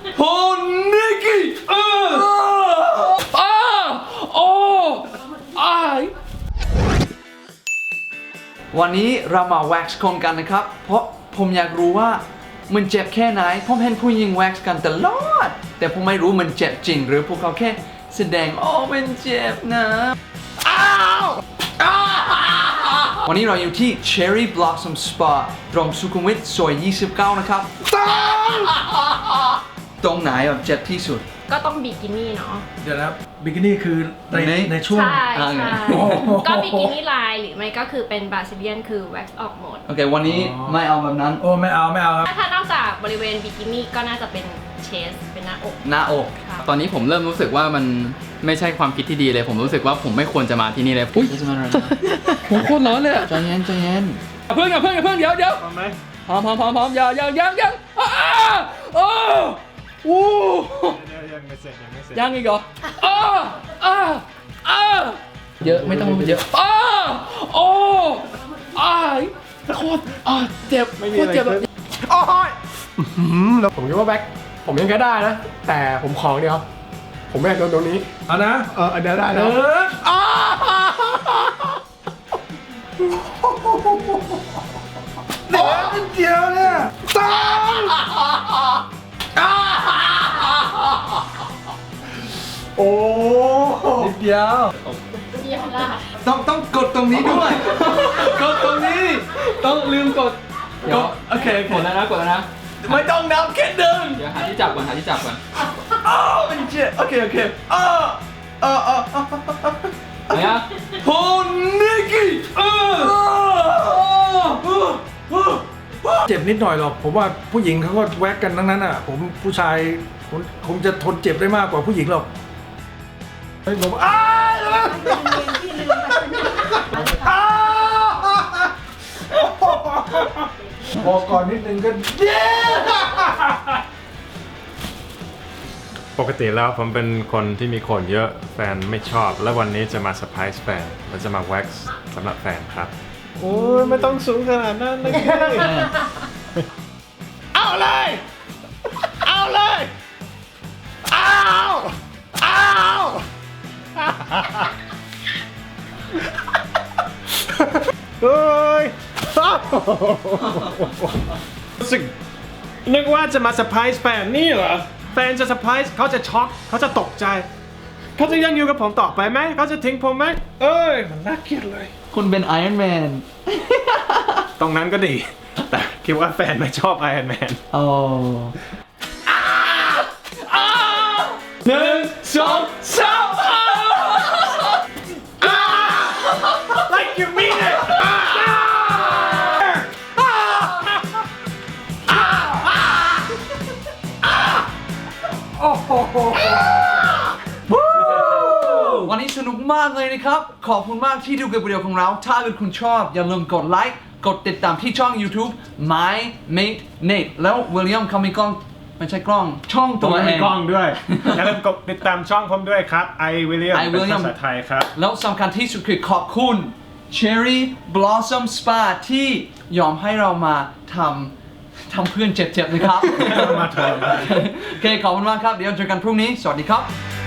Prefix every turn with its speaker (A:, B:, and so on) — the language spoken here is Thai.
A: โอ้นิกกี้โอ้วันนี้เรามาแว็กซ์คนกันนะครับเพราะผมอยากรู้ว่ามันเจ็บแค่ไหนผมเห็นผู้หญิงแว็กซ์กันตลอดแต่ผมไม่รู้มันเจ็บจริงหรือพวกเขาแค่แสดงมันเจ็บนะวันนี้เราอยู่ที่ Cherry Blossom Spa ตรงสุขุมวิทซอย 29 นะครับตรงไหนเจ็บที่สุด
B: ก็ต้องบิกินี่เนาะ
C: เดี๋ยวนะบิกินี่คือในช่วง
B: ใช่ก็บิกินี่ลายหรือไม่ก็คือเป็นบราซิเลียนคือแว็กซ์ออกหมด
A: โอเควันนี้ไม่เอาแบบนั้น
C: ไม่เอาครับ
B: ถ้านอกจากบริเวณบิกินี่ก็น่าจะเป็นเชสเป็นหน้าอก
D: ตอนนี้ผมเริ่มรู้สึกว่ามันไม่ใช่ความคิดที่ดีเลยผมรู้สึกว่าผมไม่ควรจะมาที่นี่เลย
A: อุ้ยจะมาอะไรผมโคตรร้อนเลยใจเย็นเ
D: พิ่งเดี๋ยว
C: พร้อมไหม
D: พร้อมยังยังอีกเหรอเยอะไม่ต้องเยอะโคตรเจ็บโคตรเจ็บ
E: แล้วผมคิดว่าแบ็คผมยังแค่ได้นะแต่ผมของเดียวผมไม่อยากโดนตรงนี้
C: เอานะ
E: เดี๋ยวได้แล้ว
C: นิดเดียวเนี่ยโอ้นิดเดียว
A: ต้องกดตรงนี้ด้วยกดตรงนี้ต้องลืมกดโอเค
D: กดแล้วนะ
A: ไม่ต้องนับแค่หนึ่ง
D: เดี๋ยวหาที่จับก่อน
A: มันเจ็บโอเค
D: ไหนอะ
A: โอ้นิกกี้
C: เจ็บนิดหน่อยหรอกผมว่าผู้หญิงเขาก็แว็กกันทั้งนั้นอ่ะผมผู้ชายผมจะทนเจ็บได้มากกว่าผู้หญิงหรอกผมพอก่อนนิดนึงก็
F: ปกติแล้วผมเป็นคนที่มีคนเยอะแฟนไม่ชอบและวันนี้จะมาเซอร์ไพรส์แฟนและจะมาแว็กซ์สำหรับแฟนครับ
C: โอ้ยไม่ต้องสูงขนาดนั้นเลย
A: เอาเลย
C: เฮ้ยรู้สึกนึกว่าจะมาเซอร์ไพรส์แฟนนี่เหรอแฟนจะเซอร์ไพรส์เขาจะช็อกเขาจะตกใจเขาจะยังอยู่กับผมต่อไปไหมเขาจะทิ้งผมไหมมันน่าเกลียดเลย
A: คุณเป็นไอรอนแมน
C: ตรงนั้นก็ดีแต่คิดว่าแฟนไม่ชอบไอรอนแมน
A: 1 2 3
C: like you mean it
A: วันนี้สนุกมากเลยนะครับขอบคุณมากที่ดูกับวิดีโอของเราถ้าเกิดคุณชอบอย่าลืมกดไลค์กดติดตามที่ช่อง YouTube My Mate Nate แล้ววิลเลียมเขามีกล้องไม่ใช่กล้องช่องตัวเอง
C: กล้องด้วยอย่าลืมกดติดตามช่องผมด้วยครับวิลเลียมเป็นภาษาไทยครับ
A: แล้วสำคัญที่สุดคือขอบคุณ Cherry Blossom Spa ที่ยอมให้เรามาทำเพื่อนเจ็บๆนะครับ
C: มาเถอะ
A: โอเคขอบคุณมากครับเดี๋ยวเจอกันพรุ่งนี้สวัสดีครับ